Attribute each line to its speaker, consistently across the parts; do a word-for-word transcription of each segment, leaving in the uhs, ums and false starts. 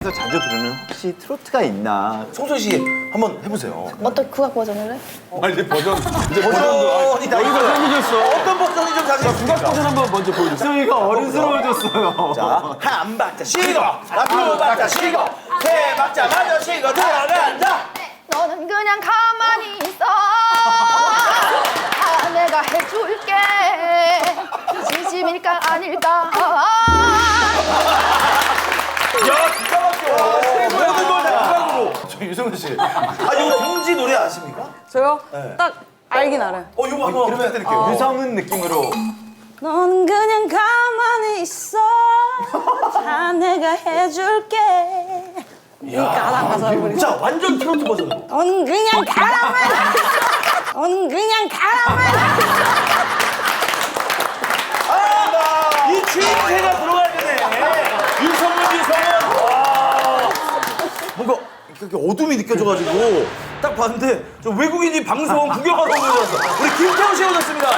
Speaker 1: 라디오에서 자주 부르는 혹시 트로트가 있나?
Speaker 2: 송소희 씨 한번 해보세요.
Speaker 3: 어떤 국악 버전을 해?
Speaker 4: 아 이제 버전 이제
Speaker 2: 버전이 다
Speaker 4: 여기서 생기셨어.
Speaker 2: 어떤 버전이 좀 자신
Speaker 4: 국악 버전 한번 먼저 보여주세요.
Speaker 1: 소희가 어른스러워졌어요.
Speaker 2: 자, 한 박자 쉬고, 두 박자 쉬고, 세 박자 마저 쉬고 들어간다.
Speaker 3: 너는 그냥 가만히 있어. 다 내가 해줄게. 진심일까 아닐까.
Speaker 2: 야, 기가 막혀. 모든 걸 다 국악으로. 저 유성은 씨. 아, 이거 동지 노래 아십니까?
Speaker 5: 저요?
Speaker 2: 네.
Speaker 5: 딱 알긴 알아요.
Speaker 2: 어, 이거 한번 부탁드릴게요.
Speaker 1: 유성은 느낌으로.
Speaker 5: 넌 그냥 가만히 있어. 다 내가 해줄게. 이 가사 가사 우리.
Speaker 2: 자, 완전 트로트 버전으로.
Speaker 5: 넌 그냥 가만히 있어. 넌 그냥 가만히
Speaker 2: 아, 이 주인새가 들어가야 되네. 유성은, 유성은. 와. 뭔가 이렇게 어둠이 느껴져가지고 딱 봤는데 저 외국인이 방송 구경하러 온 줄 알았어. 우리 김태우 씨 오셨습니다.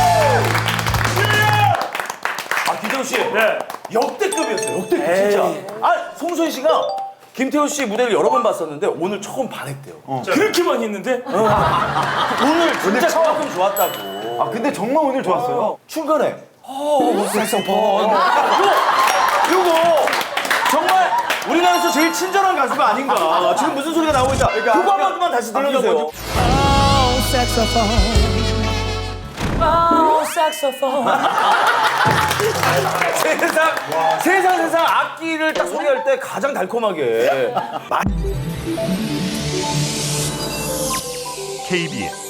Speaker 2: 아, 김태우 씨. 네. 역대급이었어요. 역대급 진짜. 아, 송소희 씨가 김태우 씨 무대를 여러 번 봤었는데 오늘 처음 반했대요.
Speaker 6: 그렇게 많이 했는데?
Speaker 2: 오늘 진짜 처음 좋았다고.
Speaker 1: 아 근데 정말 오늘 좋았어요.
Speaker 2: 중간에 어, 색소폰. 요거 요거 정말 우리나라에서 제일 친절한 가수가 아닌가. 지금 무슨 소리가 나오고 있다. 그거 한 번만 다시 들려주세요. 세상 세상 세상 악기를 딱 소개할 때 가장 달콤하게.
Speaker 7: 케이비에스